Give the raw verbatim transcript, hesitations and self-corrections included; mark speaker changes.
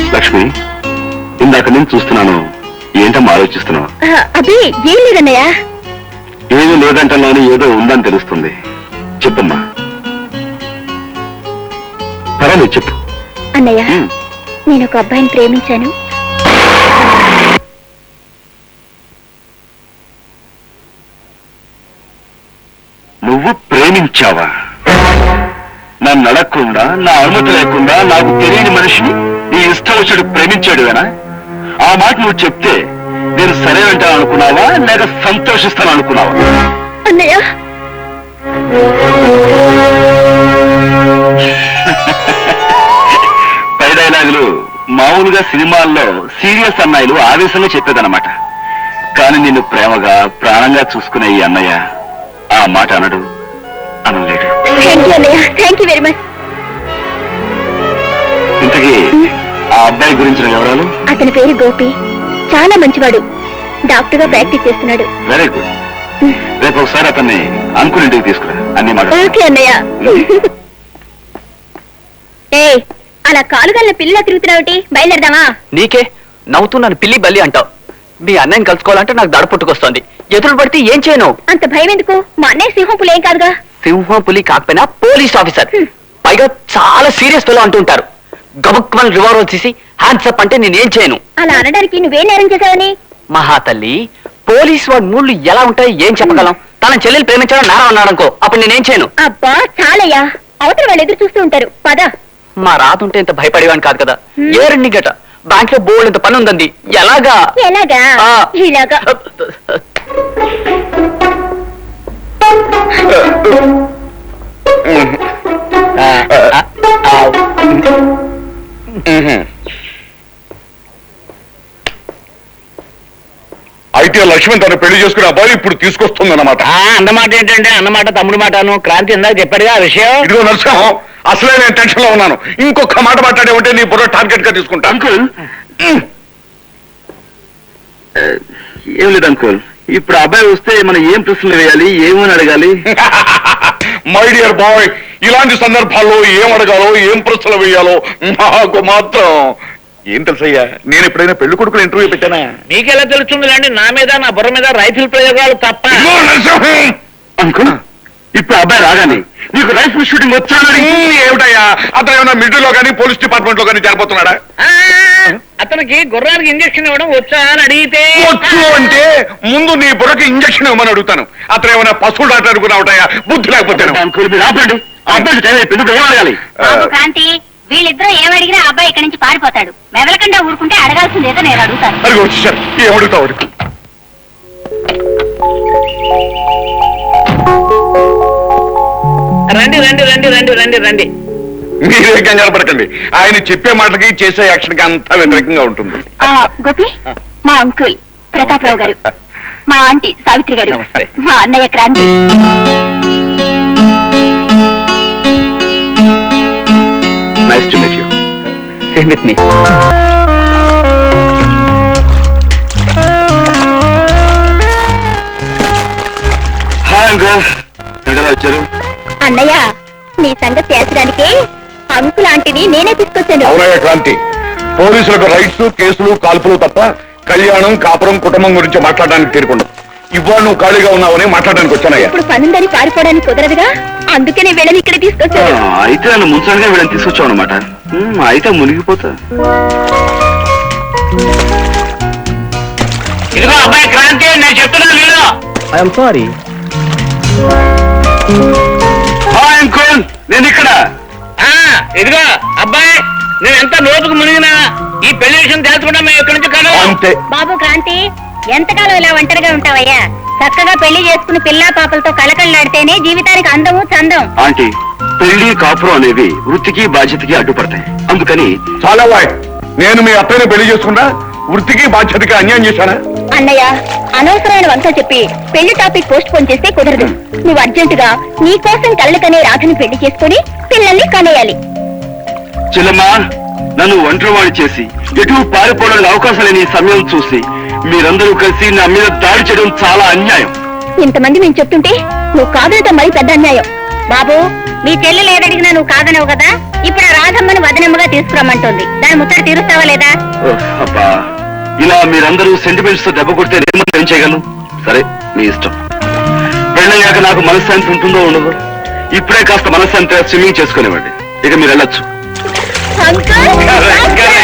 Speaker 1: లక్ష్మి, ఇందాక నేను చూస్తున్నాను, ఏంటమ్మా ఆలోచిస్తున్నావు?
Speaker 2: అదే ఏం లేదన్నయ్య.
Speaker 1: ఏమీ లేదంటలోని ఏదో ఉందని తెలుస్తుంది. చెప్పమ్మా. పర్వాలేదు, చెప్పు.
Speaker 2: అన్నయ్య, నేను ఒక అబ్బాయిని ప్రేమించాను.
Speaker 1: నువ్వు ప్రేమించావా? నన్ను అడగకుండా, నా అనుమతి లేకుండా నాకు తెలియని మనిషిని నీ ఇష్టం వచ్చాడు ప్రేమించాడువేనా? ఆ మాట నువ్వు చెప్తే నేను సరే అంటాను అనుకున్నావా, లేక సంతోషిస్తాను అనుకున్నావా?
Speaker 2: అన్నయ్య,
Speaker 1: పై డైలాగులు మామూలుగా సినిమాల్లో సీరియస్ అన్నయ్యలు ఆవేశంలో చెప్పేదన్నమాట. కానీ నిన్ను ప్రేమగా ప్రాణంగా చూసుకునే ఈ అన్నయ్య ఆ మాట అనడు, అనలేడు.
Speaker 2: Thank you very much.
Speaker 1: ఇంతకీ ఆ అబ్బాయి గురించిన వివరాలు?
Speaker 2: అతని పేరు గోపి, చాలా మంచివాడు, డాక్టర్ గా ప్రాక్టీస్ చేస్తున్నాడు.
Speaker 1: Very good. రేపు ఒకసారి అతన్ని అంకుల్ ఇంటికి తీసుకురా, అన్ని మాట.
Speaker 2: ఓకే అన్నయ్య. ఏ అలా కాలుగల్ల పిల్ల తిరుగుతున్నావుటి, బయలుదేరదామా?
Speaker 3: నీకే నవ్వుతున్నాను పిల్లి బల్లి అంటావు. మీ అన్నయ్యని కలుసుకోవాలంటే నాకు దడ పుట్టుకొస్తుంది. ఎదురు పడితే ఏం చేయను?
Speaker 2: అంత భయం ఎందుకు? మా అన్నయ్య సింహం పులి ఏం కాదుగా.
Speaker 3: సింహం పులి కాకపోయినా పోలీస్ ఆఫీసర్, పైగా చాలా సీరియస్ ఫెలో అంటుంటారు. గబుక్మని రివాల్వర్ తీసి హ్యాండ్స్ అప్ అంటే నేనేం చేయను.
Speaker 2: అలా అనడానికి నువ్వేం నేరం చేశావని?
Speaker 3: మహాతల్లి, పోలీస్ వాడి మూడ్లు ఎలా ఉంటాయి ఏం చెప్పగలం? తన చెల్లెలు ప్రేమించడం నేరం అన్నాడనుకో, అప్పుడు నేనేం చేయను.
Speaker 2: అబ్బా చాలయ్యా, అవతల వాళ్ళు ఎదురు చూస్తూ ఉంటారు, పద.
Speaker 3: మా రాతుంటే ఇంత భయపడేవాని కాదు కదా. ఏ రెండు గట బ్యాంక్ లో బోల్డ్ ఇంత పని ఉందండి. ఎలాగా?
Speaker 2: ఎలాగా? ఇలాగా.
Speaker 1: అయితే లక్ష్మణ్ తను పెళ్లి చేసుకునే అబ్బాయి ఇప్పుడు తీసుకొస్తుంది అన్నమాట.
Speaker 3: అన్నమాట ఏంటంటే అన్నమాట తమ్ముడు మాటను. క్రాంతి ఇందాక చెప్పాడుగా ఆ విషయం.
Speaker 1: ఇదిగో నరసింహం, అసలే నేను టెన్షన్ లో ఉన్నాను. ఇంకొక మాట మాట్లాడే ఉంటే నీ బుర్ర టార్గెట్ గా తీసుకుంటా. అంకుల్, ఏం లేదు అంకుల్, ఇప్పుడు అబ్బాయి వస్తే మనం ఏం ప్రశ్నలు వేయాలి, ఏమని అడగాలి? మై డియర్ బాయ్, ఇలాంటి సందర్భాల్లో ఏం అడగాలో, ఏం ప్రశ్నలు వేయాలో నాకు మాత్రం ఏం తెలుసయ్యా. నేను ఎప్పుడైనా పెళ్లి కొడుకులు ఇంటర్వ్యూ పెట్టానా?
Speaker 3: మీకెలా తెలుస్తుంది అండి? నా మీద నా బుర్ర మీద రైఫిల్ ప్రయోగాలు తప్ప.
Speaker 1: అంకుల్, ఇప్పుడు అబ్బాయి రాగానే నీకు రైఫిల్ షూటింగ్ వచ్చానని ఏమిటయ్యా? అతను ఏమైనా మిలిటరీలో కానీ పోలీస్ డిపార్ట్మెంట్ లో కానీ చేరిపోతున్నాడా?
Speaker 3: అతనికి గుర్రానికి ఇంజక్షన్ ఇవ్వడం వచ్చా అని అడిగితే
Speaker 1: వచ్చు అంటే ముందు నీ బుర్రకి ఇంజక్షన్ ఇవ్వమని అడుగుతాను. అతను ఏమైనా పశువులు డాక్టర్ అనుకున్నావుటయ్యా, బుద్ధి లేకపోతే.
Speaker 2: క్రాంతి, వీళ్ళిద్దరూ ఏమడిగినా అబ్బాయి ఇక్కడి నుంచి పారిపోతాడు. మెదలకుండా ఊరుకుంటే అడగాల్సిందేదో నేను అడుగుతాను.
Speaker 1: అది వచ్చేసారు, ఏమడుగుతావు?
Speaker 3: రండి రండి రండి రండి రండి రండి.
Speaker 1: మీరే కంగారు పడకండి, ఆయన చెప్పే మాటకి చేసే యాక్షన్ కి అంతా వ్యతిరేకంగా ఉంటుంది.
Speaker 2: గోపి, మా అంకుల్ ప్రతాపరావు గారు, మా ఆంటీ సావిత్రి గారు, మా అన్నయ్య Kranti.
Speaker 1: Nice to meet you.
Speaker 3: Same with me.
Speaker 1: Hi uncle, ఎక్కడ వచ్చారు?
Speaker 2: అన్నయ్య, నీ సంగతి తేల్చడానికి అంకుల్ ఆంటీని నేనే తీసుకొచ్చాను.
Speaker 1: అవునయ్య క్రాంతి, పోలీసులకు రైట్స్, కేసులు, కాల్పులు తప్ప కళ్యాణం, కాపురం, కుటుంబం గురించి మాట్లాడడానికి తీరుకుండా ఇవాళ నువ్వు ఖాళీగా ఉన్నావని మాట్లాడడానికి వచ్చానయ్యా.
Speaker 2: ఇప్పుడు పనుందని పారిపోవడానికి కుదరదుగా, అందుకనే వీళ్ళని ఇక్కడ తీసుకొచ్చాను.
Speaker 1: అయితే నన్ను ముంచడానికి వీళ్ళని తీసుకొచ్చావు అనమాట. అయితే మునిగిపోతా.
Speaker 3: ఇదిగో అబ్బాయి క్రాంతి, నేను చెప్తున్నా వీళ్ళు. I'm sorry.
Speaker 1: హాయ్ అంకుల్, నేను ఇక్కడ.
Speaker 3: ఇదిగో అబ్బాయి, నేను ఎంత లోతుకు మునిగినా ఈ పెళ్లి విషయం తెలుసుకుంటా మేము ఇక్కడి నుంచి కాదు.
Speaker 1: అంతే.
Speaker 2: బాబు క్రాంతి, ఎంతకాలం ఇలా ఒంటరిగా ఉంటావయ్యా? చక్కగా పెళ్లి చేసుకుని పిల్లా పాపలతో కలకళ్ళాడితేనే జీవితానికి అందము చందం.
Speaker 1: ఆంటీ, పెళ్లి కాపురం అనేవి వృత్తికి బాధ్యతకి అడ్డుపడతాయి. అందుకని చాలా వాయ్ నేను మీ అత్తయ్యని పెళ్లి చేసుకున్నా వృత్తికి బాధ్యతకి అన్యాయం చేశానా?
Speaker 2: అన్నయ్య, అనవసరమైన వంక చెప్పి పెళ్లి టాపిక్ పోస్ట్ పోన్ చేస్తే కుదరదు. నువ్వు అర్జెంటుగా నీ కోసం కళ్ళకనే రాధని పెళ్లి చేసుకుని పిల్లల్ని కనేయాలి.
Speaker 1: చెల్లమ్మా, నన్ను ఒంటరివాణి చేసి ఎటు పారిపోవడానికి అవకాశం లేని సమయం చూసి మీరందరూ కలిసి నా మీద దాడి చేయడం చాలా అన్యాయం.
Speaker 2: ఇంతమంది మేము చెప్తుంటే నువ్వు కాదనటం మరి పెద్ద అన్యాయం. బాబు, మీ చెల్లెలు ఏదడిగినా నువ్వు కాదనవు కదా, ఇప్పుడు ఆ రాధమ్మని వదనమ్మగా తీసుకురమ్మంటుంది దాని ముచ్చట తీరుస్తావా లేదా?
Speaker 1: ఓహ్, అబ్బా ఇలా మీరందరూ సెంటిమెంట్స్ తో దెబ్బ కొడితే నేను మాత్రం ఏం చేయగలను? సరే మీ ఇష్టం. పెళ్ళయ్యాక నాకు మనశ్శాంతి ఉంటుందో ఉండదు. ఇప్పుడే కాస్త మనశ్శాంతిగా స్విమ్మింగ్ చేసుకునేవ్వండి. ఇక మీరు వెళ్ళొచ్చు.
Speaker 2: Uncle, uncle!